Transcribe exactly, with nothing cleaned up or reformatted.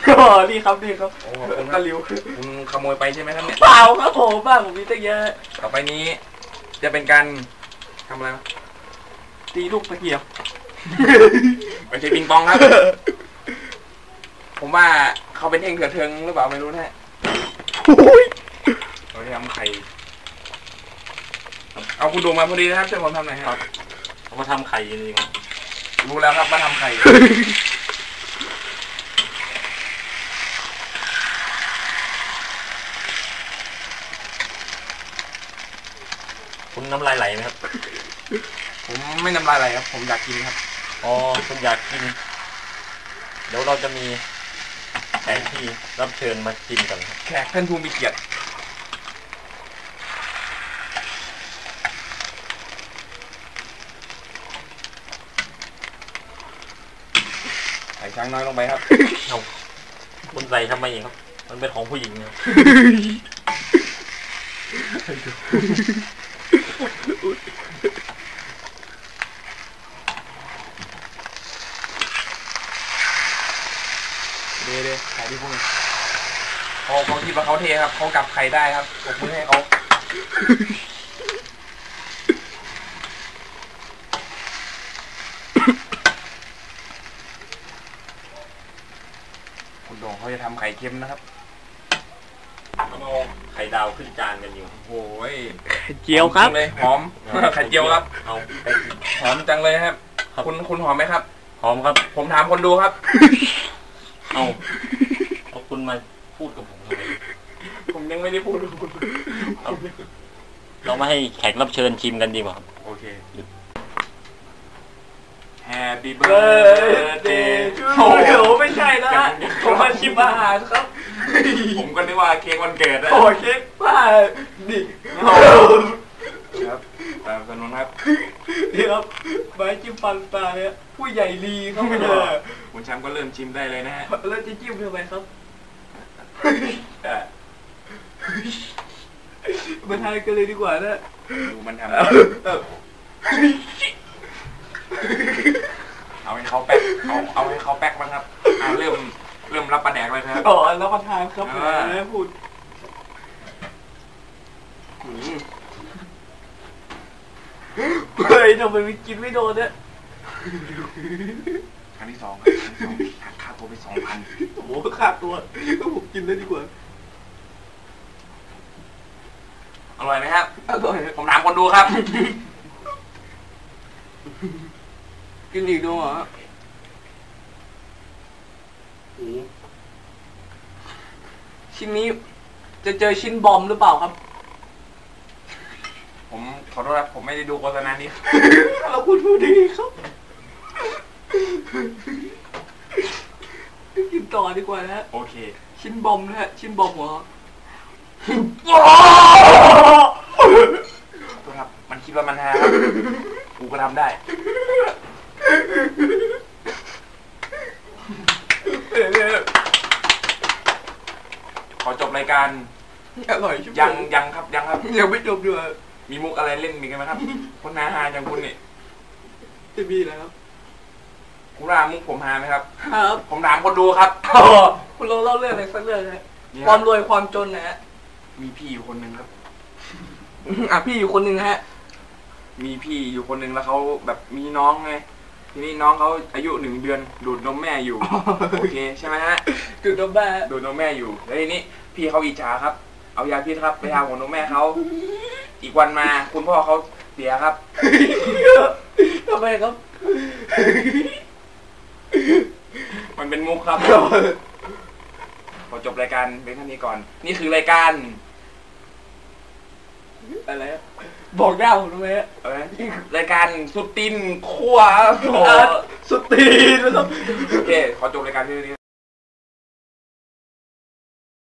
อ๋อนี่ครับนี่ครับโอ้ขอบคุณคตะรับลิวคุณขโมยไปใช่ไหมครับเนี่ยเปล่าครับผมบ้างผมมีตั้งเยอะต่อไปนี้ จะเป็นการทำอะไรวะตีลูกตะเกียบไม่ใช่ปิงปองครับ ผมว่าเขาเป็นเองเถื่อนเทิงหรือเปล่าไม่รู้นะฮะเราจะทำไข่เอาคุณดูมาพอดีนะครับช่วยผมทำหน่อยครับเขามาทำไข่จริงรู้แล้วครับว่าทำไข่คุณน้ำลายไหลไหมครับผมไม่น้ำลายไหลครับผมอยากกินครับอ๋อคุณอยากกิน เดี๋ยวเราจะมีแขกที่รับเชิญมากินกันครับแขกท่านผู้มีเกียรติใส่ช้างน้อยลงไปครับเอาคุณใส่ทำไมครับ มันเป็นของผู้หญิงเนี่ยเด้เด้ไข่ที่พวกนี้เขาเขาคิดว่าเขาเทครับเขากลับไข่ได้ครับผมมือให้เขาคุณโด่งเขาจะทำไข่เค็มนะครับแล้วก็ไข่ดาวขึ้นจานกันอยู่โอ้ยเจียวครับหอมจังเลยหอม ไข่เจียวครับเอาไปกินหอมจังเลยครับครับคุณคุณหอมไหมครับหอมครับผมถามคนดูครับเอาเอาคุณมาพูดกับผมทำไมผมยังไม่ได้พูดคุณเอาเรามาให้แขกรับเชิญชิมกันดีกว่าครับโอเคหยุด Happy เบิร์ดเด birthday ย์โอ้โหไม่ใช่นะผมมาชิมอาหารครับผมก็นึกว่าเค้กวันเกิดนะโอ้เค้กป้าดิครับตามสนุนครับเดี๋ยวครับไม้จิ้มฟันปลาเนี่ยผู้ใหญ่ลีเขาไม่ได้คุณแชมป์ก็เริ่มชิมได้เลยนะฮะแล้วจะจิ้มทำไมครับอ่ะมาทานกันเลยดีกว่านะดูมันทำเออเอาให้เขาแป๊กเอาเอาให้เขาแป๊กบ้างครับอ่าเริ่มเริ่มรับประแดกเลยครับอ๋อแล้วประทานครับเออแม่พูดอืมเฮ้ยทำไมไม่กินไม่โดนเนี่ยครั้งที่สองครับครั้งที่สองหักค่าตัวไปสองพันโอ้โหขาดตัวก็ผมกินเลยดีกว่าอร่อยไหมครับอร่อยผมถามคนดูครับกินอีกด้วยเหรอโอ้ชิ้นนี้จะเจอชิ้นบอมหรือเปล่าครับผมขอโทษครับผมไม่ได้ดูโฆษณานี้เราพูดพูดดีครับกินต่อดีกว่านะฮะโอเคชิ้นบอมนะฮะชิ้นบอมหัวโทษครับมันคิดว่ามันฮาครับกูก็ทำได้ขอจบรายการอร่อยชิบยังยังครับยังครับยังไม่จบด้วยมีมุกอะไรเล่นมีกันไหมครับ คนหาฮาอย่างคุณนี่จะมีแล้วครับคุณว่ามุกผมฮาไหมครับครับผมถามคนดูครับคุณลองเล่าเรื่องอะไรสักเรื่องนะนี่ความรวยความจนนะฮะมีพี่อยู่คนหนึ่งครับอ่ะพี่อยู่คนหนึ่งนะฮะมีพี่อยู่คนหนึ่งแล้วเขาแบบมีน้องไงทีนี้น้องเขาอายุหนึ่งเดือนดูดนมแม่อยู่ โอเคใช่ไหมฮะจุดนมแม่ดูดนมแม่อยู่แล้วทีนี้พี่เขาอิจฉาครับ เอายาพิษครับไปทาหัวนมแม่เขาอีกวันมาคุณพ่อเขาเสียครับทำไมครับมันเป็นมุกครับ ขอจบรายการเป็นแค่นี้ก่อน นี่คือรายการอะไรอะบอกได้ผมทำไมฮะเอ้ยรายการสุดตินขั้วโอ้โหสุดตีนนะครับโอเค ขอจบรายการที่นี้